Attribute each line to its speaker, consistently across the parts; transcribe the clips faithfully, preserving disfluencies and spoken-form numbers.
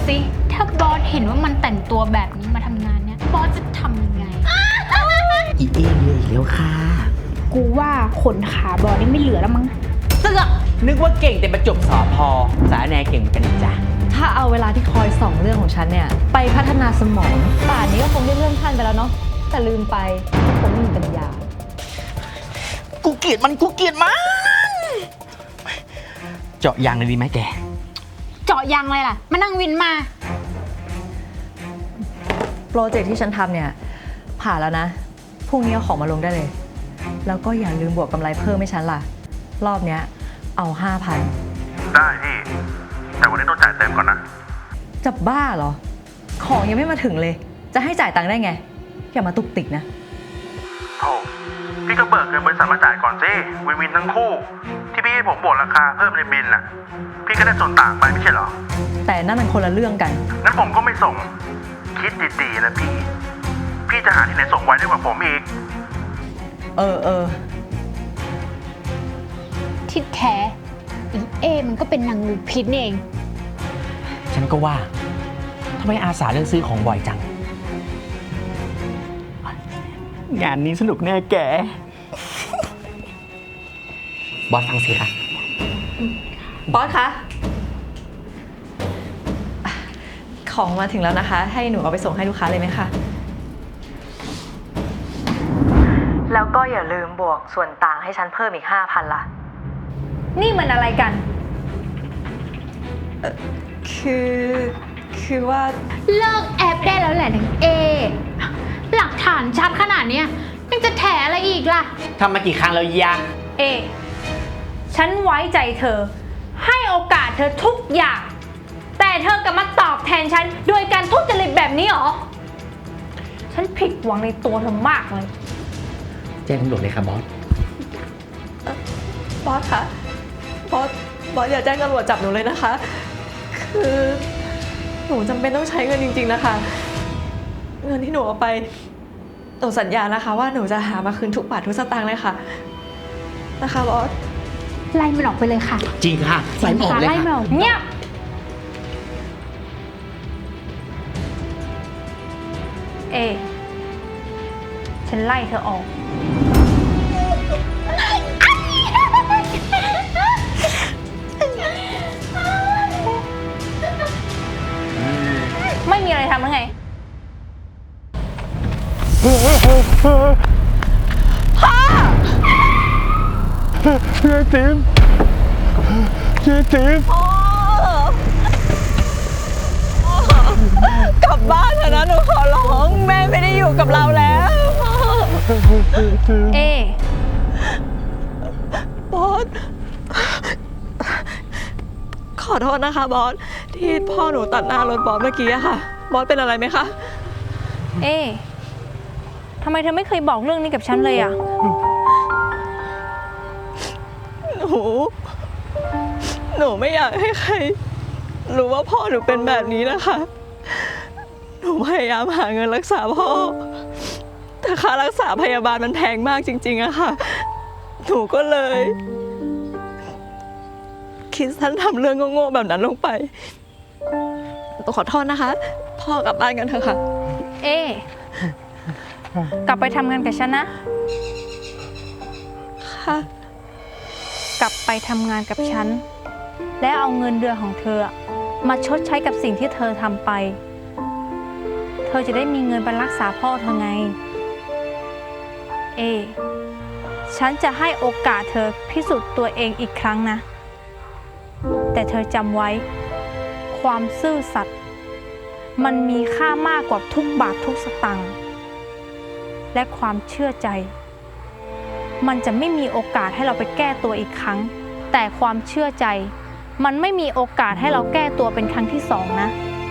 Speaker 1: สิถ้าบอสเห็นว่ามันแต่งตัวแบบนี้มาทำงานเนี่ยบอสจะทำยังไง
Speaker 2: อีเอเหนื่อยแล้วค่ะ
Speaker 1: กูว่าขนขาบอสนี่ไม่เหลือแล้วมั้ง
Speaker 2: เสือกนึกว่าเก่งแต่ประจบสอพอสาแนเก่งกันจ้ะ
Speaker 3: ถ้าเอาเวลาที่คอยส่องเรื่องของฉันเนี่ยไปพัฒนาสมองป่านนี้ก็คงได้เลื่อนขั้นไปแล้วเนาะแต่ลืมไปคงไม่มีปัญญา
Speaker 2: กูเกลียดมันกูเกลียดมันเจาะยางเลยดีไหมแก
Speaker 1: เจาะยางอะไรล่ะมานั่งวินมา
Speaker 3: โปรเจกต์ที่ฉันทำเนี่ยผ่านแล้วนะพรุ่งนี้เอาของมาลงได้เลยแล้วก็อย่าลืมบวกกำไรเพิ่มให้ฉันล่ะรอบเนี้ยเอาห้าพัน
Speaker 4: ได้พี่แต่วันนี้ต้องจ่ายเต็มก่อนนะ
Speaker 3: จะบ้าเหรอของยังไม่มาถึงเลยจะให้จ่ายตังค์ได้ไงอย่ามาตุกติกนะ
Speaker 4: โธ่พี่ก็เบิกเงินบริษัทมาจ่ายก่อนสิวินวินทั้งคู่ที่พี่ให้ผมบวกราคาเพิ่มในบินน่ะพี่ก็ได้ส่วนต่างไปไม่ใช่เหรอ
Speaker 3: แต่นั่นมันคนละเรื่องกัน
Speaker 4: งั้นผมก็ไม่ส่งคิดดีๆนะพี่พี่จะหาที่ไหนส่งไว้ได้กว่าผมอีก
Speaker 3: เออเออ
Speaker 1: ที่แท้อีเอมันก็เป็นนางงูพิษนี่เอง
Speaker 2: ฉันก็ว่าทำไมอาสาเลือกซื้อของบ่อยจังงานนี้สนุกแน่แกบอสฟังสิคะ
Speaker 3: บอสคะของมาถึงแล้วนะคะให้หนูเอาไปส่งให้ลูกค้าเลยไหมคะแล้วก็อย่าลืมบวกส่วนต่างให้ฉันเพิ่มอีกห้าพันล่ะ
Speaker 1: นี่มันอะไรกัน
Speaker 3: คือคือว่า
Speaker 1: เลิกแอบได้แล้วแหละนางเอหลักฐานชัดขนาดนี้ยังจะแถอะไรอีกล่ะ
Speaker 2: ทำมากี่ครั้งแล้วยะ
Speaker 1: เอฉันไว้ใจเธอให้โอกาสเธอทุกอย่างแต่เธอกลับมาตอบแทนฉันโดยการทุจริตแบบนี้หรอฉันผิดหวังในตัวเธอมากเลย
Speaker 2: แจ้งตำรวจเลยค่ะบอส
Speaker 3: บอสคะบอสบอสอย่าแจ้งตำรวจจับหนูเลยนะคะคือหนูจำเป็นต้องใช้เงินจริงๆนะคะเงินที่หนูเอาไปหนูสัญญานะคะว่าหนูจะหามาคืนทุกบาททุกสตางค์เลยค่ะนะคะบอส
Speaker 1: ไล่มันออกไปเลยค่ะ
Speaker 2: จริงค่ะไล่มันออกเลยค่ะ
Speaker 1: เงียบเอฉันไล่เธอออกไม่มีอะไรทำแล้วไงพ่อ
Speaker 4: เจ๊ติ๋มเจ๊ติ๋ม
Speaker 3: กลับบ้านเถอะนะหนูขอร้องแม่ไม่ได้อยู่กับเราแล้ว
Speaker 1: เ
Speaker 3: อบอสขอโทษนะคะบอสที่พ่อหนูตัดหน้ารถบอสเมื่อกี้อะค่ะบอสเป็นอะไรไหมคะ
Speaker 1: เอทำไมเธอไม่เคยบอกเรื่องนี้กับฉันเลยอะ
Speaker 3: หนูหนูไม่อยากให้ใครรู้ว่าพ่อหนูเป็นแบบนี้นะคะหนูพยายามหาเงินรักษาพ่อแต่ค่ารักษาพยาบาลมันแพงมากจริงๆอะค่ะหนูก็เลยคิดสั้นทำเรื่องโง่ๆแบบนั้นลงไปต้องขอโทษนะคะพ่อกลับบ้านกันเถอะค่ะ
Speaker 1: เอกลับไปทำงานกับฉันนะ
Speaker 3: ค่ะ
Speaker 1: กลับไปทำงานกับฉันและเอาเงินเดือนของเธอมาชดใช้กับสิ่งที่เธอทำไปเธอจะได้มีเงินไปรักษาพ่อเธอไงเอฉันจะให้โอกาสเธอพิสูจน์ตัวเองอีกครั้งนะแต่เธอจำไว้ความซื่อสัตย์มันมีค่ามากกว่าทุกบาททุกสตางค์และความเชื่อใจมันจะไม่มีโอกาสให้เราไปแก้ตัวอีกครั้งแต่ความเชื่อใจมันไม่มีโอกาสให้เราแก้ตัวเป็นครั้งที่สองนะ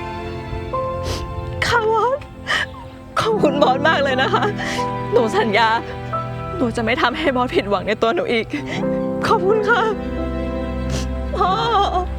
Speaker 3: ค่ะบอสขอบคุณบอสมากเลยนะคะหนูสัญญาหนูจะไม่ทำให้บอสผิดหวังในตัวหนูอีกขอบคุณค่ะพ่อ